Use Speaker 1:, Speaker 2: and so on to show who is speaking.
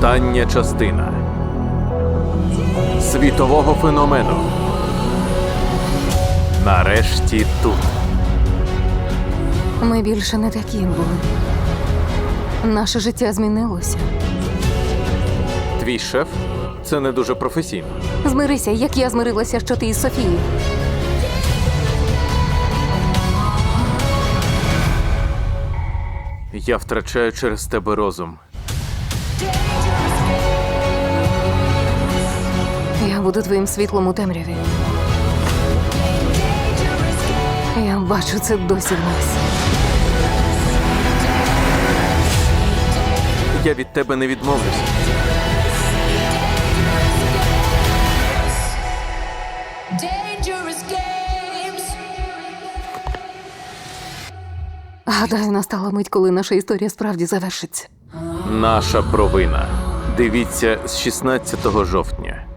Speaker 1: Остання частина світового феномену. Нарешті тут.
Speaker 2: Ми більше не такі були. Наше життя змінилося.
Speaker 1: Твій шеф – це не дуже професійно.
Speaker 2: Змирися, як я змирилася, що ти із Софією.
Speaker 1: Я втрачаю через тебе розум.
Speaker 2: Я буду твоїм світлом у темряві. Я бачу це досі в нас.
Speaker 1: Я від тебе не відмовлюся.
Speaker 3: Dangerous games.
Speaker 2: Гадаю, настала мить, коли наша історія справді завершиться.
Speaker 1: Наша провина. Дивіться з 16 жовтня.